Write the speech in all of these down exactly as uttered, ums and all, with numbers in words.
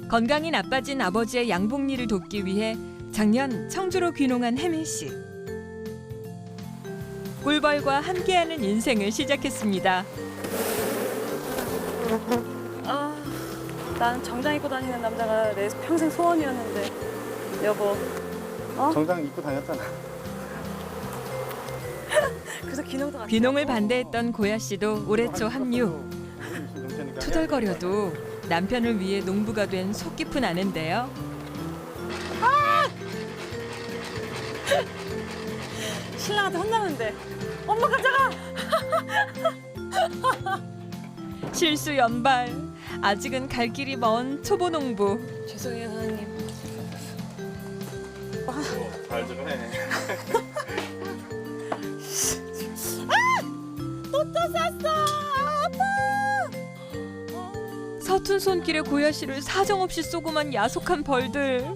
건강이 나빠진 아버지의 양복일을 돕기 위해 작년 청주로 귀농한 혜민 씨. 꿀벌과 함께하는 인생을 시작했습니다. 아, 난 정장 입고 다니는 남자가 내 평생 소원이었는데 여보. 어? 정장 입고 다녔잖아. 그래서 귀농도 같이 귀농을 하고. 반대했던 고야 씨도 올해 초 합류. 투덜거려도 남편을 위해 농부가 된 속 깊은 아내인데요. 신랑한테 혼나는데 엄마 가져가. 실수 연발. 아직은 갈 길이 먼 초보 농부. 죄송해요 사장님. 잘 좀 해. 서툰 손길에 고야 씨를 사정없이 쏘고만 야속한 벌들.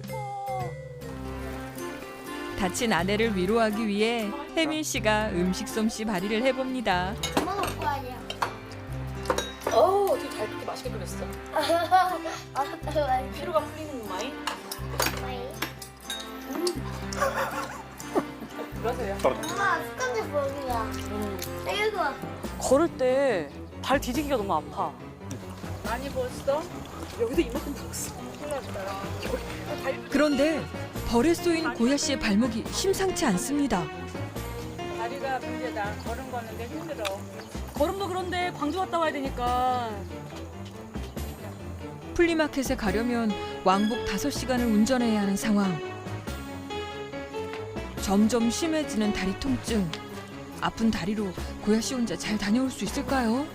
다친 아내를 위로하기 위해 혜민 씨가 음식 솜씨 발휘를 해봅니다. 엄마 먹고 하냐? 어우 어떻게 잘 그렇게 맛있게 끓였어. 알았다 말이야. 피로가 풀리는 마이. 그러세요. 엄마 습관대 먹이야. 음. 이거 걸을 때 발 뒤지기가 너무 아파. 많이 부었어? 여기도 이만큼 부었어. 그런데 벌에 쏘인 고야 씨의 발목이 심상치 않습니다. 다리가 문제다. 걸음 걷는 게 힘들어. 걸음도 그런데 광주 갔다 와야 되니까. 플리마켓에 가려면 왕복 다섯 시간을 운전해야 하는 상황. 점점 심해지는 다리 통증. 아픈 다리로 고야 씨 혼자 잘 다녀올 수 있을까요?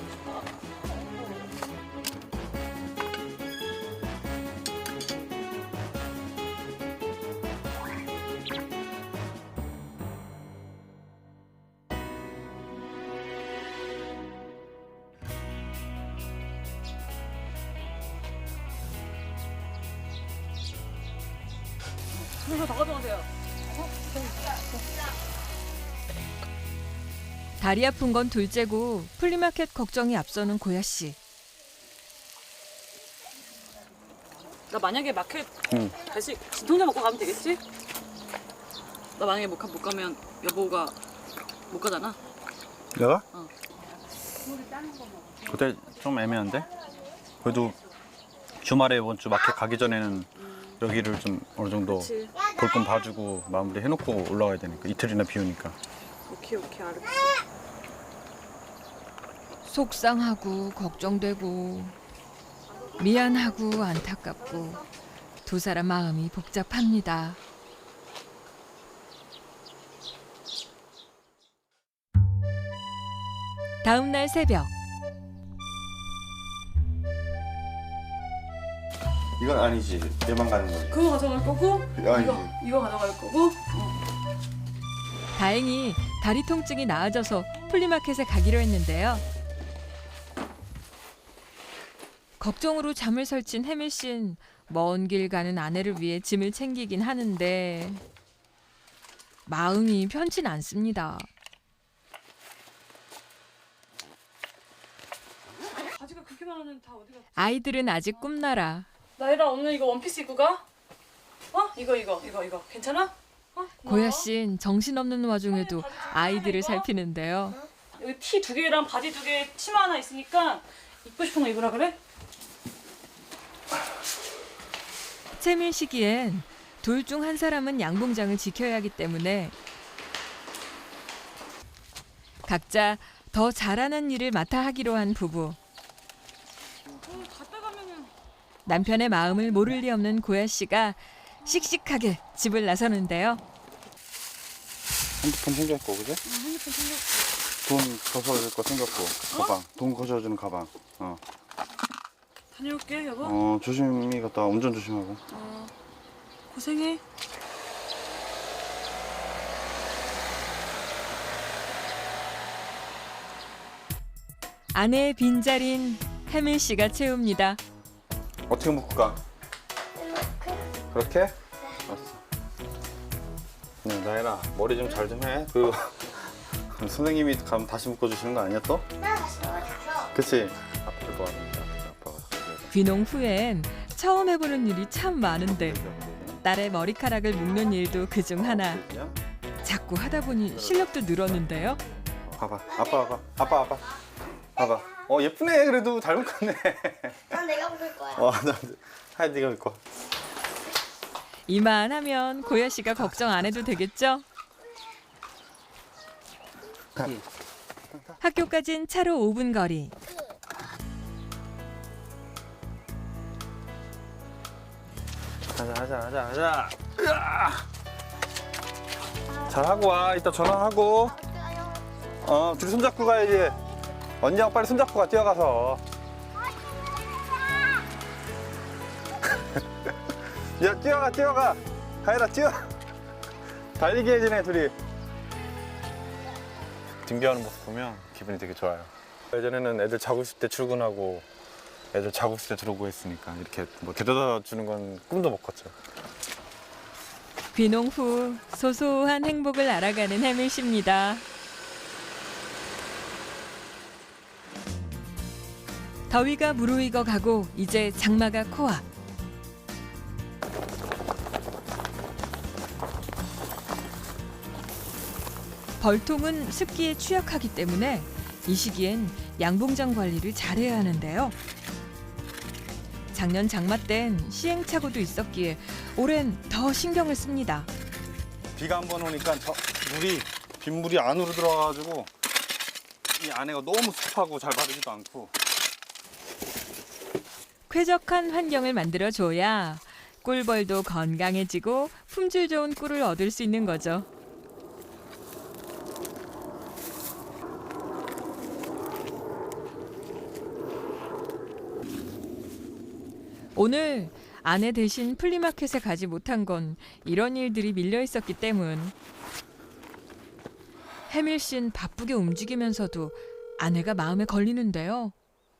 이거 더 가져가세요. 다리 아픈 건 둘째고 플리마켓 걱정이 앞서는 고야 씨. 나 만약에 마켓 응. 갈수 진통제 먹고 가면 되겠지? 나 만약에 못, 가, 못 가면 여보가 못 가잖아. 내가? 어. 그때 좀 애매한데? 그래도 주말에 이번 주 마켓 가기 전에는 여기를 좀 어느 정도 그치. 볼 건 봐주고 마무리 해놓고 올라와야 되니까 이틀이나 비우니까. 오케이 오케이 알았어. 속상하고 걱정되고 미안하고 안타깝고 두 사람 마음이 복잡합니다. 다음 날 새벽. 이건 아니지. 얘만 가는 거지. 그거 가져갈 거고 아니지. 이거 이거 가져갈 거고. 어. 다행히 다리 통증이 나아져서 플리마켓에 가기로 했는데요. 걱정으로 잠을 설친 혜민 씨는 먼 길 가는 아내를 위해 짐을 챙기긴 하는데 마음이 편치 않습니다. 바지가 그렇게 많은데 다 어디 갔지? 아이들은 아직 꿈나라. 나이라 오늘 이거 원피스 입고 가? 어? 이거 이거 이거 이거 괜찮아? 어? 고야 씨는 정신없는 와중에도 아이들을 살피는데요. 여기 티 두 개랑 바지 두 개, 치마 하나 있으니까 입고 싶은 거 입으라 그래? 채밀 시기엔 둘 중 한 사람은 양봉장을 지켜야 하기 때문에 각자 더 잘하는 일을 맡아 하기로 한 부부. 어, 갔다 가면은 남편의 마음을 모를 리 없는 고야 씨가 씩씩하게 집을 나서는데요. 핸드폰 챙겼고, 그지? 어, 핸드폰 챙겨. 돈 거셔줄 거 챙겼고, 가방. 돈 거셔주는 가방. 어. 다녀올게 여보. 어, 조심히 갔다 와. 운전 조심하고. 어, 고생해. 아내의 빈자리인 혜민 씨가 채웁니다. 어떻게 묶고 가? 그렇게? 알았어. 네, 나혜라 머리 좀 잘 좀 해. 그 선생님이 가면 다시 묶어주시는 거 아니야 또? 나 다시 먹어줘. 그치? 앞을 봐야 된다. 아빠가. 귀농 후엔 처음 해보는 일이 참 많은데 딸의 머리카락을 묶는 일도 그중 하나. 자꾸 하다 보니 실력도 늘었는데요. 봐봐, 아빠 봐봐, 아빠 아빠, 봐봐. 어 예쁘네. 그래도 잘 묶었네. 난 내가 부를 거야. 와, 나 하얀 네가 묶어. 이만하면 고야 씨가 걱정 안 해도 되겠죠? 학교까진 차로 오 분 거리. 가자, 가자, 가자, 가자. 으아! 잘하고 와. 이따 전화하고. 어, 둘이 손잡고 가야지. 언니하고 빨리 손잡고 가, 뛰어가서. 야, 뛰어가, 뛰어가. 가이라, 뛰어. 달리기 해지네, 둘이. 등교하는 모습 보면 기분이 되게 좋아요. 예전에는 애들 자고 있을 때 출근하고 애들 자고 있을 때 들어오고 했으니까 이렇게 뭐 데려다 주는 건 꿈도 못 꿨죠. 귀농 후 소소한 행복을 알아가는 해밀 씨입니다. 더위가 무르익어 가고 이제 장마가 코앞. 벌통은 습기에 취약하기 때문에 이 시기엔 양봉장 관리를 잘해야 하는데요. 작년 장마 땐 시행착오도 있었기에 올해는 더 신경을 씁니다. 비가 한 번 오니까 저 물이 빗물이 안으로 들어가가지고 이 안에가 너무 습하고 잘 바르지도 않고. 쾌적한 환경을 만들어줘야 꿀벌도 건강해지고 품질 좋은 꿀을 얻을 수 있는 거죠. 오늘 아내 대신 플리마켓에 가지 못한 건 이런 일들이 밀려 있었기 때문. 해밀 씨는 바쁘게 움직이면서도 아내가 마음에 걸리는데요.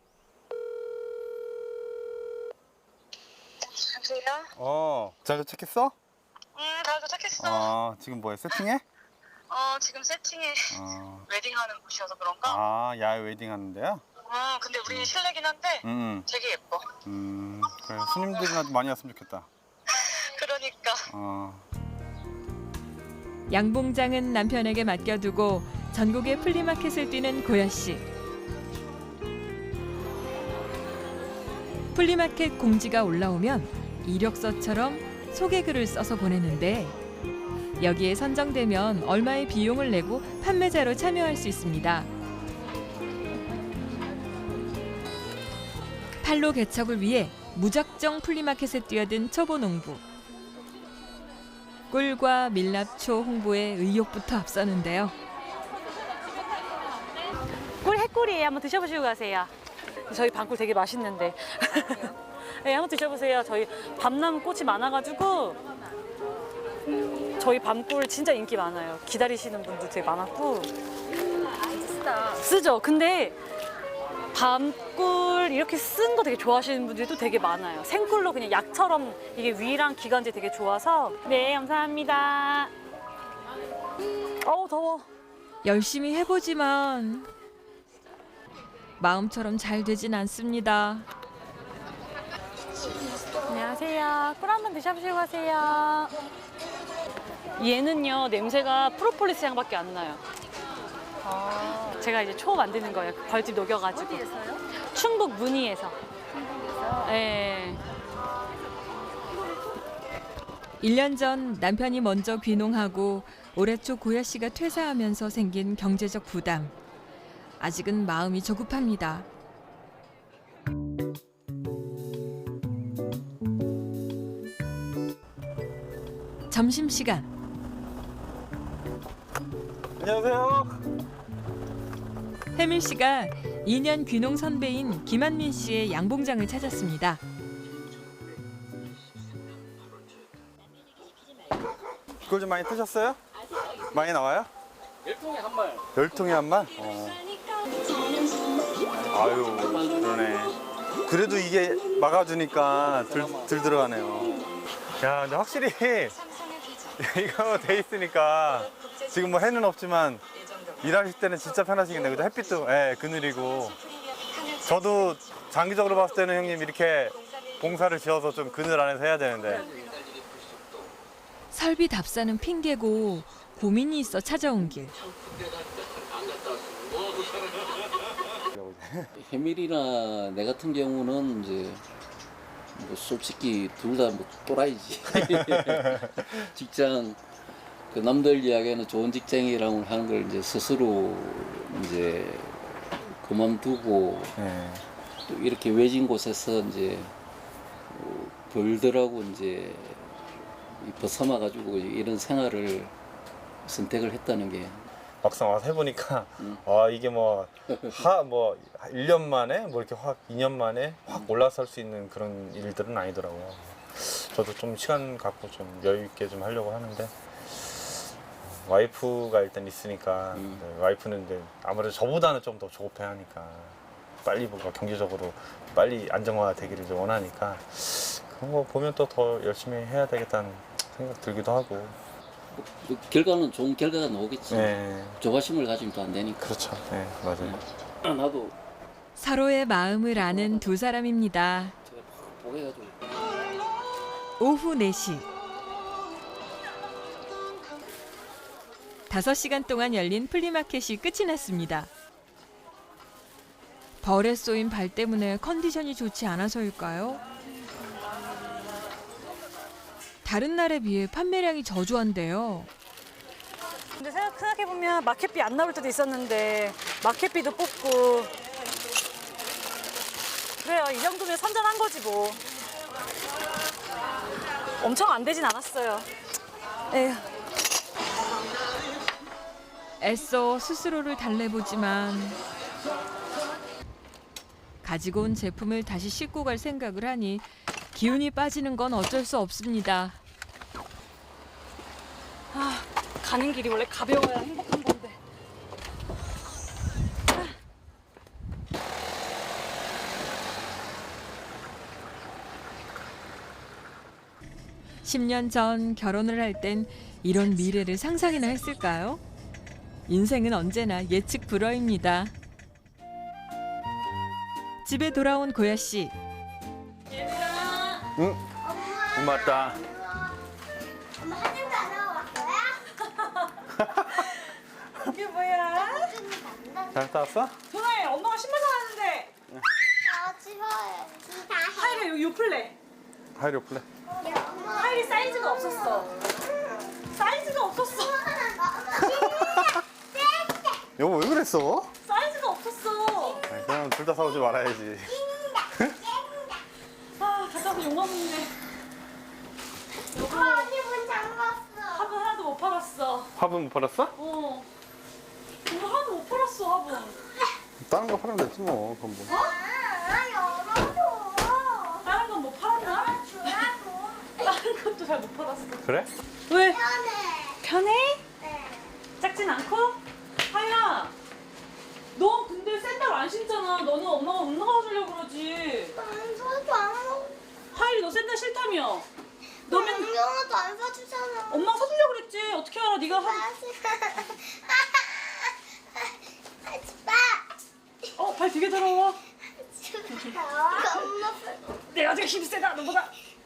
여보세요? 어, 잘 도착했어? 응, 다 도착했어. 아, 지금 뭐해? 세팅해? 어, 지금 세팅해. 어. 웨딩하는 곳이어서 그런가? 아, 야외 웨딩 하는데요? 어, 근데 우리는 실내긴 한데 음, 되게 예뻐. 음, 그래. 손님들이나 많이 왔으면 좋겠다. 그러니까. 어. 양봉장은 남편에게 맡겨두고 전국의 플리마켓을 뛰는 고야 씨. 플리마켓 공지가 올라오면 이력서처럼 소개글을 써서 보내는데 여기에 선정되면 얼마의 비용을 내고 판매자로 참여할 수 있습니다. 판로 개척을 위해 무작정 플리마켓에 뛰어든 초보 농부. 꿀과 밀랍초 홍보에 의욕부터 앞서는데요. 꿀 해꿀이에요. 한번 드셔보시고 가세요. 저희 밤꿀 되게 맛있는데. 네, 한번 드셔보세요. 저희 밤나무 꽃이 많아가지고 저희 밤꿀 진짜 인기 많아요. 기다리시는 분도 되게 많았고. 쓰다. 쓰죠. 근데 밤꿀 이렇게 쓴 거 되게 좋아하시는 분들도 되게 많아요. 생꿀로 그냥 약처럼 이게 위랑 기관지 되게 좋아서. 네, 감사합니다. 어우, 더워. 열심히 해보지만 마음처럼 잘 되진 않습니다. 안녕하세요. 꿀 한번 드셔보시고 가세요. 얘는요, 냄새가 프로폴리스 향밖에 안 나요. 아. 제가 이제 초 만드는 거예요. 벌집 녹여가지고. 어디에서요? 충북 문의에서. 문의에서? 네. 일 년 전 남편이 먼저 귀농하고 올해 초 고야 씨가 퇴사하면서 생긴 경제적 부담. 아직은 마음이 조급합니다. 점심시간. 안녕하세요. 해밀 씨가 이 년 귀농 선배인 김한민 씨의 양봉장을 찾았습니다. 꿀 좀 많이 뜨셨어요? 많이 나와요? 열 통에 한 말. 열 통에 한 말? 어. 아유, 그러네. 그래도 이게 막아주니까 들, 들 들어가네요. 야, 근데 확실히 이거 돼 있으니까 지금 뭐 해는 없지만 일하실 때는 진짜 편하시겠네요. 그죠? 햇빛도 예, 그늘이고. 저도 장기적으로 봤을 때는 형님 이렇게 공사를 지어서 좀 그늘 안에서 해야 되는데. 설비 답사는 핑계고 고민이 있어 찾아온 길. 해밀이나 내 같은 경우는 이제 뭐 솔직히 둘 다 뭐 또라이지. 직장 그 남들 이야기하는 좋은 직장이라고 하는 걸 이제 스스로 이제 그만두고 네. 또 이렇게 외진 곳에서 이제 뭐 벌들하고 이제 이 벗어나 가지고 이런 생활을 선택을 했다는 게 막상 와서 해보니까 음. 아 이게 뭐 하 뭐 일 년 만에 뭐 이렇게 확 이 년 만에 확 올라설 수 있는 그런 일들은 아니더라고요. 저도 좀 시간 갖고 좀 여유 있게 좀 하려고 하는데 와이프가 일단 있으니까 음. 네, 와이프는 이제 아무래도 저보다는 좀 더 조급해하니까 빨리 뭔가 경제적으로 빨리 안정화 되기를 좀 원하니까 그런 거 보면 또 더 열심히 해야 되겠다는 생각 들기도 하고. 그 결과는 좋은 결과가 나오겠지. 네, 조바심을 가지면 또 안 되니까. 그렇죠. 네, 맞아요. 나도 서로의 마음을 아는 두 사람입니다. 제가 막 보게가지고 오후 네 시. 다섯 시간 동안 열린 플리마켓이 끝이 났습니다. 벌에 쏘인 발 때문에 컨디션이 좋지 않아서일까요? 다른 날에 비해 판매량이 저조한데요. 근데 생각, 생각해보면 마켓비 안 나올 때도 있었는데 마켓비도 뽑고 그래요. 이 정도면 선전한 거지 뭐. 엄청 안 되진 않았어요. 에휴. 애써 스스로를 달래보지만 가지고 온 제품을 다시 싣고 갈 생각을 하니 기운이 빠지는 건 어쩔 수 없습니다. 아, 가는 길이 원래 가벼워야 행복한 건데. 십 년 전 결혼을 할 땐 이런 미래를 상상이나 했을까요? 인생은 언제나 예측 불허입니다. 집에 돌아온 고야 씨. 응? 엄마 왔다. 엄마 사진도 안 하고 왔어요? 이게 뭐야? 잘 갔다 왔어? 전화해. 엄마가 신발 사왔는데. 아 집어야지 다 해. 하이리 요, 요 플레. 하이로 플레. 하이리 사이즈가 없었어. 사이즈가 없었어. 여보 왜 그랬어? 사이즈가 없었어. 아니, 그냥 둘 다 사오지 말아야지. 아, 갔다 와서 욕먹는데. 여보, 언니 문 잠갔어. 화분 하나도 못 팔았어. 화분 못 팔았어? 어. 이거 하나도 못 팔았어, 화분. 다른 거 팔면 됐지 뭐. 그럼 뭐. 아 열어줘. 다른 건 못 팔았나? 주라고. 다른 것도 잘 못 팔았어. 그래? 왜? 편해. 편해? 네. 작진 않고? 하이라, 너 근데 샌들 안 신잖아. 너는 엄마가 운동화 주려고 그러지. 난 소주 안 하고. 하이리, 너 샌들 싫다며. 너 맨, 운동화도 안 사주잖아. 엄마가 사주려고 그랬지. 어떻게 알아? 네가 한, 하지 마. 어, 발 되게 더러워. 하지 마. 엄마 내가 되게 힘이 세다, 너보다.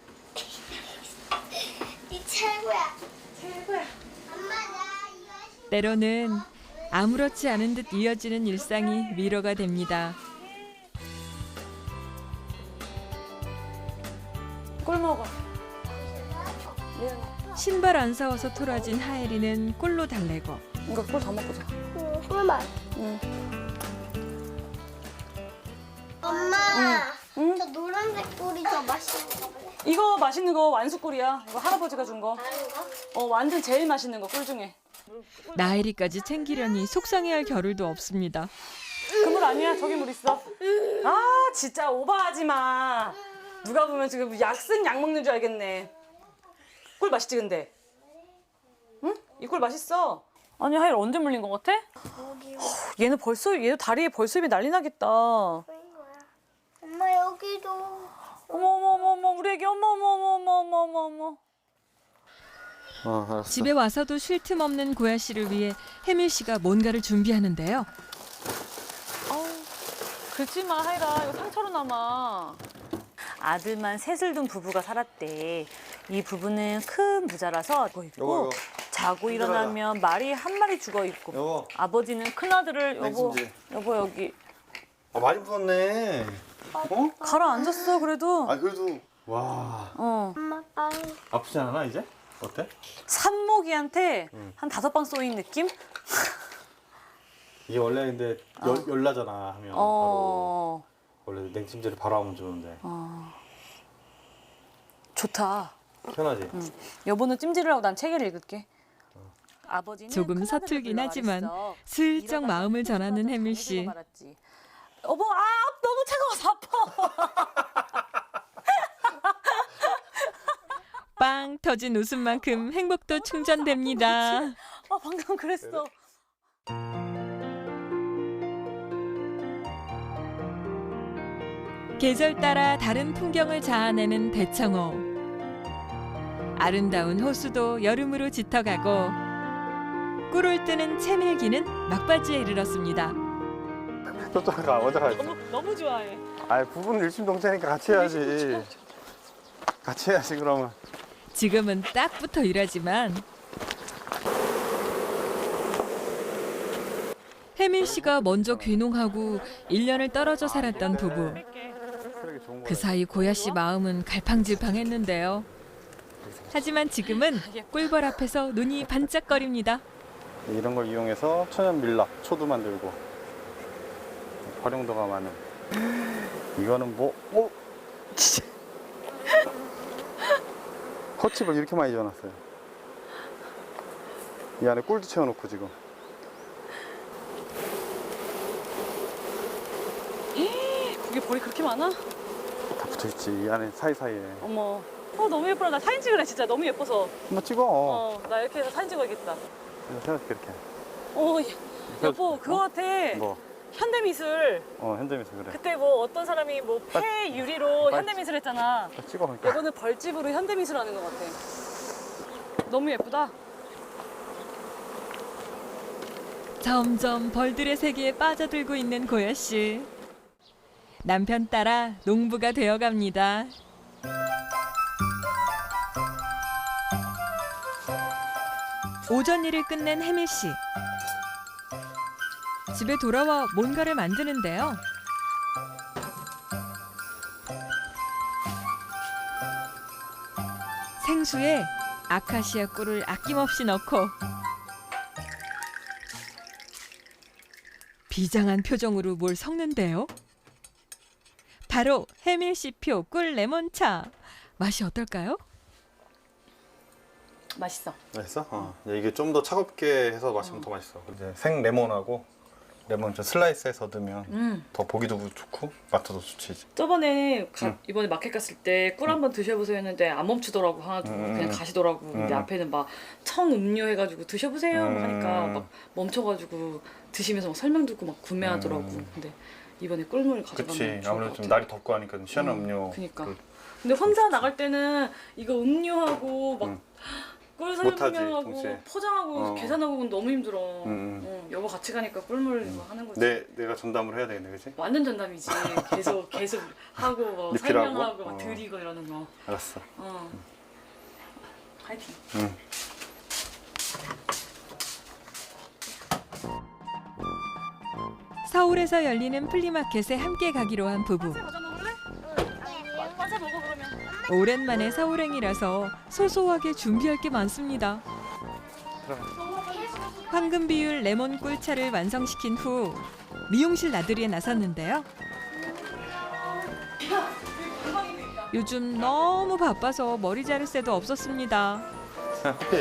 네 최고야. 최고야. 엄마 나 이거 신- 때로는 아무렇지 않은 듯 이어지는 일상이 위로가 됩니다. 꿀 먹어. 신발 안 사와서 토라진 하엘이는 꿀로 달래고 이거 꿀 더 먹고 자. 응, 꿀맛. 응. 엄마. 응? 저 노란색 꿀이 더 맛있는 거 볼래? 이거 맛있는 거 완수꿀이야. 이거 할아버지가 준 거. 다른 거? 어, 완전 제일 맛있는 거, 꿀 중에. 나엘이까지 챙기려니 속상해할 겨를도 없습니다. 그 물 아니야. 저기 물 있어. 아, 진짜 오버하지 마. 누가 보면 지금 약 쓴 약 먹는 줄 알겠네. 꿀 맛있지, 근데? 응? 이 꿀 맛있어. 아니, 하일 언제 물린 거 같아? 여기 얘는 벌써, 얘도 다리에 벌써 입이 난리 나겠다. 어머, 보인 거야. 엄마 여기도. 어머, 어머, 어머, 우리 애기, 어머, 어머, 어머, 어머, 어머, 어머. 어, 알았어. 집에 와서도 쉴 틈 없는 고야 씨를 위해 혜밀 씨가 뭔가를 준비하는데요. 아우, 긁지 마, 하이라. 이거 상처로 남아. 아들만 셋을 둔 부부가 살았대. 이 부부는 큰 부자라서 있고 요거, 요거. 자고 일어나면 말이 한 마리 죽어 있고 여보. 아버지는 큰 아들을 여보 냉찜질. 여보 여기 아, 많이 부었네. 어? 가라앉았어 그래도. 아, 그래도 와. 어. 엄마 빨리. 아프지 않아 이제? 어때? 산모기한테 한 다섯 방 쏘인 느낌? 이게 원래 근데 열, 열나잖아 하면 어. 바로 원래 냉찜질을 바로 하면 좋은데 좋다. 편하지? 여보는 찜질을 하고 난 책을 읽을게. 아버지는 조금 큰아들을 서툴긴 불러 하지만 말했어. 슬쩍 이러다가 마음을 큰 전하는 아들한테 혜밀 당해주고 씨. 말았지. 여보, 아 너무 차가워서 아파. 빵 터진 웃음만큼 행복도 충전됩니다. 아 방금 그랬어. 계절 따라 다른 풍경을 자아내는 대청호. 아름다운 호수도 여름으로 짙어가고 꿀을 뜨는 채밀기는 막바지에 이르렀습니다. 저쪽 가, 먼저 가. 너무 너무 좋아해. 아, 부부는 일심동체니까 같이 해야지. 같이 해야지 그러면. 지금은 딱 붙어 일하지만 혜밀 씨가 먼저 귀농하고 일 년을 떨어져 살았던 부부. 쓰레기 좋은 거. 그 사이 고야 씨 마음은 갈팡질팡했는데요. 하지만 지금은 꿀벌 앞에서 눈이 반짝거립니다. 이런 걸 이용해서 천연 밀랍 초도 만들고 활용도가 많은. 이거는 뭐? 어? 진짜. 컷칩을 이렇게 많이 지어놨어요. 이 안에 꿀도 채워놓고 지금. 그게 벌이 그렇게 많아? 다 붙어있지 이 안에 사이사이에. 어머. 어 너무 예쁘다. 나 사진 찍으래 진짜 너무 예뻐서. 한번 찍어. 어 나 이렇게 해서 사진 찍어야겠다. 생각해 이렇게. 어 여보 그거 같아. 뭐? 현대미술. 어 현대미술 그래. 그때 뭐 어떤 사람이 뭐 폐 유리로 빨리 현대미술 했잖아. 딱 찍어 그러니까. 이거는 벌집으로 현대미술 하는 것 같아. 너무 예쁘다. 점점 벌들의 세계에 빠져들고 있는 고야 씨. 남편 따라 농부가 되어갑니다. 오전 일을 끝낸 혜밀 씨. 집에 돌아와 뭔가를 만드는데요. 생수에 아카시아 꿀을 아낌없이 넣고 비장한 표정으로 뭘 섞는데요. 바로 혜밀 씨표 꿀 레몬차. 맛이 어떨까요? 맛있어. 맛있어? 어. 이게 좀 더 차갑게 해서 마시면 더 맛있어. 이제 생 레몬하고 레몬 좀 슬라이스해서 넣으면 음. 더 보기도 좋고 맛도 좋지. 이제. 저번에 가- 응. 이번에 마켓 갔을 때 꿀 한번 드셔보세요 했는데 안 멈추더라고 하나도. 음. 그냥 가시더라고. 근데 음. 앞에는 막 청음료 해가지고 드셔보세요 음. 하니까 막 멈춰가지고 드시면서 막 설명 듣고 막 구매하더라고. 음. 근데 이번에 꿀물 가져가면 그치. 좋을 것 아무래도 좀 같아. 날이 덥고 하니까 시원한 음, 음료. 그니까. 그- 근데 혼자 나갈 때는 이거 음료하고 막 응. 꿀 못하지, 설명하고 동시에. 포장하고 어. 계산하고 너무 힘들어. 응, 응. 어, 여보 같이 가니까 꿀물 막 하는 거지. 내 내가 전담을 해야 되겠네, 그치? 완전 전담이지. 계속 계속 하고 뭐 리필하고? 설명하고 막 어. 드리고 이러는 거. 알았어. 어. 파이팅. 응. 서울에서 열리는 플리마켓에 함께 가기로 한 부부. 과자 먹을래? 과자 먹어 그러면. 오랜만에 서울행이라서 소소하게 준비할 게 많습니다. 황금 비율 레몬 꿀차를 완성시킨 후 미용실 나들이에 나섰는데요. 요즘 너무 바빠서 머리 자를 새도 없었습니다. 자, 커피.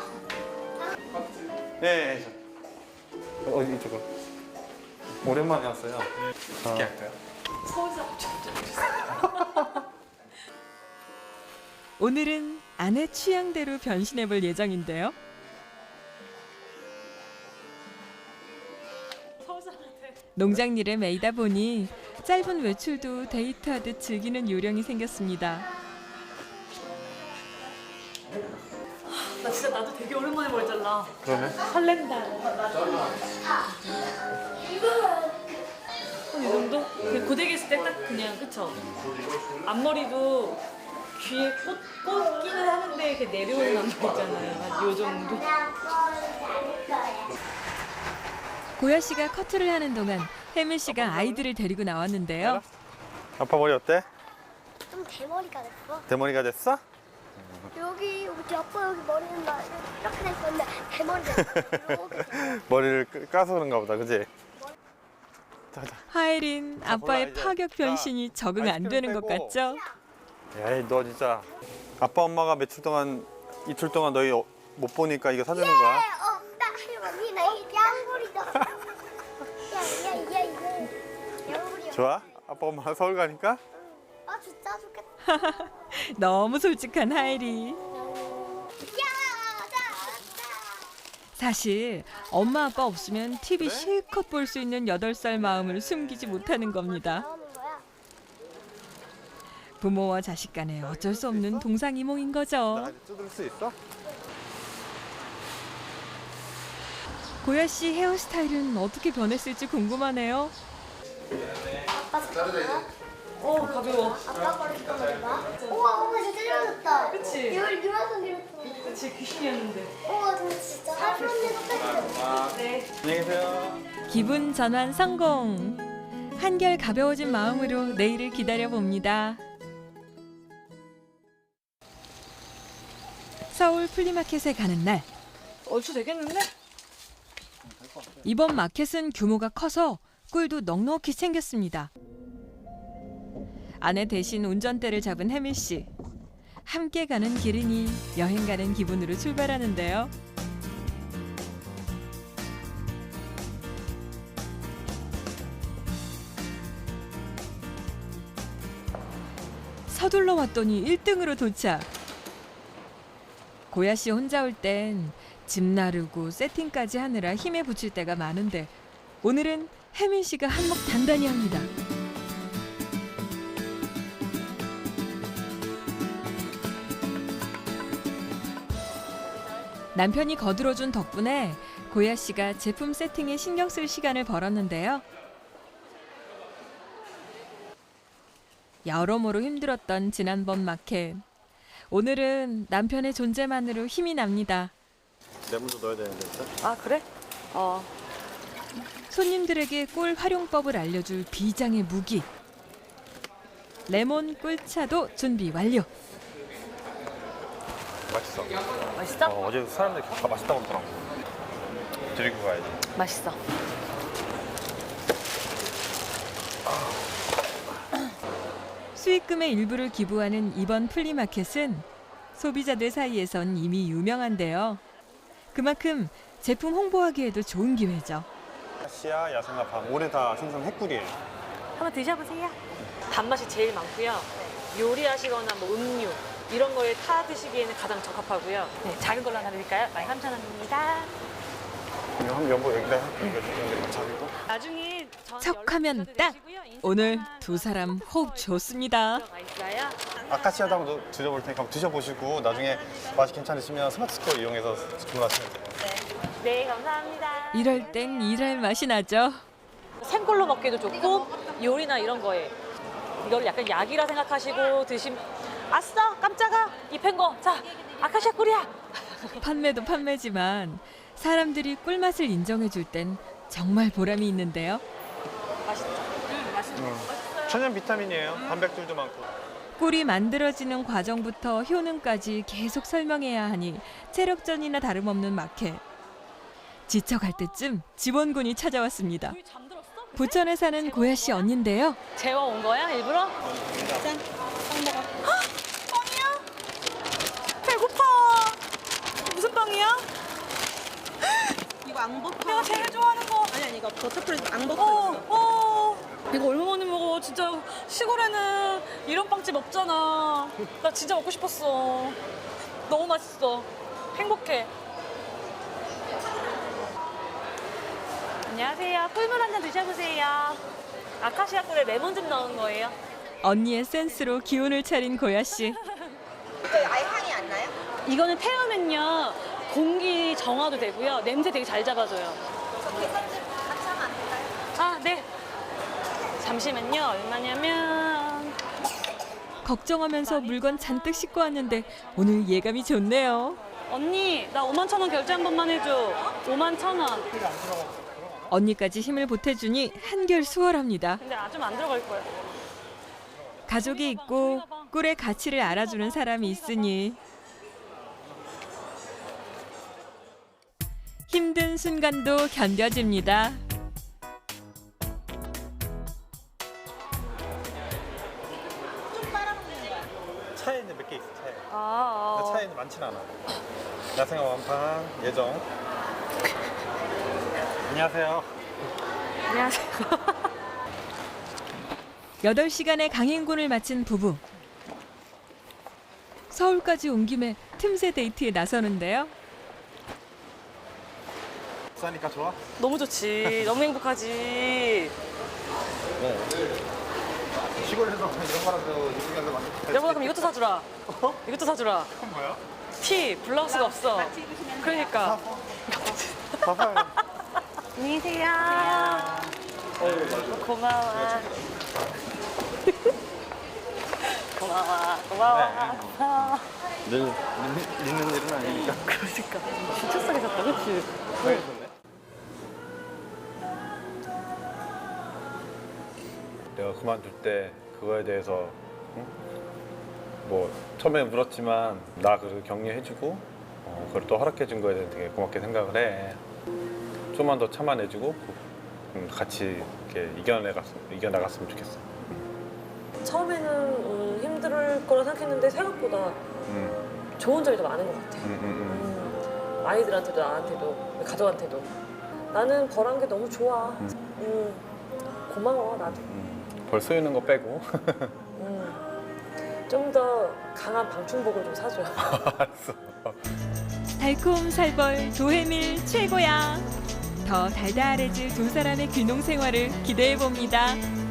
네, 네, 저. 어디 이쪽으로. 오랜만에 왔어요. 어떻게 할까요? 오늘은 아내 취향대로 변신해볼 예정인데요. 서울 사람 같아. 농장 일에 매이다 보니 짧은 외출도 데이트하듯 즐기는 요령이 생겼습니다. 나 진짜 나도 되게 오랜만에 머리 잘라. 그러네. 설렌다. 이 정도? 정도? 그 고데기 했을 때 딱 그냥 그쵸? 앞머리도 귀에 꽂, 꽂기는 하는데 이렇게 내려오는 앞머리 있잖아요. 한 요 정도. 고야 씨가 커트를 하는 동안 혜민 씨가 아이들을 데리고 나왔는데요. 아빠 머리 어때? 좀 대머리가 됐어. 대머리가 됐어? 여기 우리 아빠 여기 머리는 막 이렇게 돼 있었는데 대머리가 됐어. 이렇게 됐어. 머리를 끄- 까서 그런가 보다, 그지? 자자. 하예린 아빠의 이제. 파격 변신이 적응 안 아이스크림 되는 것 빼고. 같죠? 에이, 너 진짜 아빠 엄마가 며칠 동안 이틀 동안 너희 어- 못 보니까 이거 사주는 거야? 어, 나 할머니 나 이 양머리다. 야야야 이거 양머리야. 좋아? 아빠 엄마가 서울 가니까? 아 진짜 좋겠다. 너무 솔직한 하예리. 야, 자, 사실 엄마 아빠 없으면 티비 실컷 볼 수 있는 여덟 살 마음을 숨기지 못하는 겁니다. 나오는 거야. 부모와 자식 간에 어쩔 수 없는 동상이몽인 거죠. 나 뜯을 수 있어? 고야 씨 헤어스타일은 어떻게 변했을지 궁금하네요. 아빠 잠깐만. 어 가벼워. 아빠 거를 잠깐만 봐. 우와, 엄마 진짜 짧아졌다. 그치? 이걸 이만큼 길었어. 그치 귀신이었는데. 우와, 근데 진짜 할머니 똑같아. 네. 안녕히 계세요. 기분 전환 성공. 한결 가벼워진 마음으로 내일을 기다려 봅니다. 서울 플리마켓에 가는 날. 얼추 되겠는데? 이번 마켓은 규모가 커서 꿀도 넉넉히 챙겼습니다. 아내 대신 운전대를 잡은 혜민 씨. 함께 가는 길이니 여행 가는 기분으로 출발하는데요. 서둘러 왔더니 일 등으로 도착. 고야 씨 혼자 올 땐 집 나르고 세팅까지 하느라 힘에 부칠 때가 많은데 오늘은 혜민 씨가 한몫 단단히 합니다. 남편이 거들어준 덕분에 고야 씨가 제품 세팅에 신경 쓸 시간을 벌었는데요. 여러모로 힘들었던 지난번 마켓. 오늘은 남편의 존재만으로 힘이 납니다. 레몬도 넣어야 되는데, 일단. 아 그래? 어. 손님들에게 꿀 활용법을 알려줄 비장의 무기. 레몬 꿀차도 준비 완료. 맛있어. 맛있어? 어, 어제 사람들이 다 맛있다고 그러더라고. 드리고 가야지. 맛있어. 수익금의 일부를 기부하는 이번 플리마켓은 소비자들 사이에선 이미 유명한데요. 그만큼 제품 홍보하기에도 좋은 기회죠. 씨야, 야생나파 올해 다 생선했꿀이에요. 한번 드셔보세요. 단맛이 제일 많고요. 요리하시거나 뭐 음료 이런 거에 타 드시기에는 가장 적합하고요. 네, 작은 걸로 하나 드릴까요? 만 삼천 원입니다. 이거 한 여보 여기다 여기 자기고. 나중에 전 척하면 연락 딱! 드리시고요. 오늘 인스타나 두 사람 뭐 호흡 좋습니다. 들어가 있어요. 아카시아도 한번 드셔볼 테니까 한번 드셔보시고 나중에 맛이 괜찮으시면 스마트 스토어 이용해서 주문하시면 돼요. 네, 감사합니다. 이럴 땐 일할 맛이 나죠. 생걸로 먹기도 좋고 요리나 이런 거에 이걸 약간 약이라 생각하시고 드시면 아싸 깜짝아 입힌 거 자 아카시아 꿀이야. 판매도 판매지만 사람들이 꿀맛을 인정해줄 땐 정말 보람이 있는데요. 맛있죠? 응, 맛있어. 천연 비타민이에요. 단백질도 많고. 꿀이 만들어지는 과정부터 효능까지 계속 설명해야 하니 체력전이나 다름없는 마켓. 지쳐갈 때쯤 지원군이 찾아왔습니다. 우리 잠들었어? 부천에 사는 고야 씨 언니인데요. 재워 온 거야 일부러? 짠. 빵 먹어. 헉! 빵이야? 배고파. 무슨 빵이야? 이거 앙버터. 내가 제일 좋아하는 거. 아니 아니 이거 버터크림 앙버터 어, 있어. 어. 이거 얼마 만에 먹어? 진짜 시골에는 이런 빵집 없잖아. 나 진짜 먹고 싶었어. 너무 맛있어. 행복해. 안녕하세요. 꿀물 한 잔 드셔보세요. 아카시아 꿀에 레몬 즙 넣은 거예요. 언니의 센스로 기운을 차린 고야 씨. 아예 향이 안 나요? 이거는 태우면요 공기 정화도 되고요. 냄새 되게 잘 잡아줘요. 저 계산좀 같이 하면 안 될까요? 아, 네. 잠시만요. 얼마냐면 걱정하면서 물건 잔뜩 싣고 왔는데 오늘 예감이 좋네요. 언니 나 오만 천 원 결제 한 번만 해줘. 오만 천 원. 언니까지 힘을 보태주니 한결 수월합니다. 근데 아, 좀 안 들어갈 거야. 가족이 있고 꿀의 가치를 알아주는 사람이 있으니 힘든 순간도 견뎌집니다. 차에는 몇 개 있어, 차에. 아, 근데 아. 차에는 많지는 않아. 야생화 완판 예정. 안녕하세요. 안녕하세요. 여덟 시간의 강행군을 마친 부부. 서울까지 온 김에 틈새 데이트에 나서는데요. 싸니까 좋아? 너무 좋지. 너무 행복하지. 네. 시골에서 이런 거라도 이쪽에서 많이. 여보나 그럼 이것도 사주라. 이것도 사주라. 그건 뭐야? 티 블라우스가 없어. 그러니까. 봐봐요. 안녕히 계세요. 고마워. 고마워. 고마워. 고마워. 늘 있는 일은 아니니까. 그러니까 진짜 싸게 샀다, 그렇지? 내가 그만둘 때 그거에 대해서 응? 뭐 처음에 물었지만 나 그걸 격려해주고 어, 그걸 또 허락해준 거에 대해 되게 고맙게 생각을 해. 좀만 더 참아내주고 음, 같이 이렇게 이겨내갔으면 이겨나갔으면 좋겠어. 처음에는 음, 힘들 거라 생각했는데 생각보다 음, 좋은 점이 더 많은 것 같아. 음, 음, 음, 아이들한테도 나한테도 가족한테도 나는 벌한 게 너무 좋아. 음. 음, 고마워 나도. 음. 벌 쏘이는 거 빼고. 음, 좀 더 강한 방충복을 좀 사줘. 알았어. 달콤 살벌 도해밀 최고야. 더 달달해질 두 사람의 귀농 생활을 기대해 봅니다.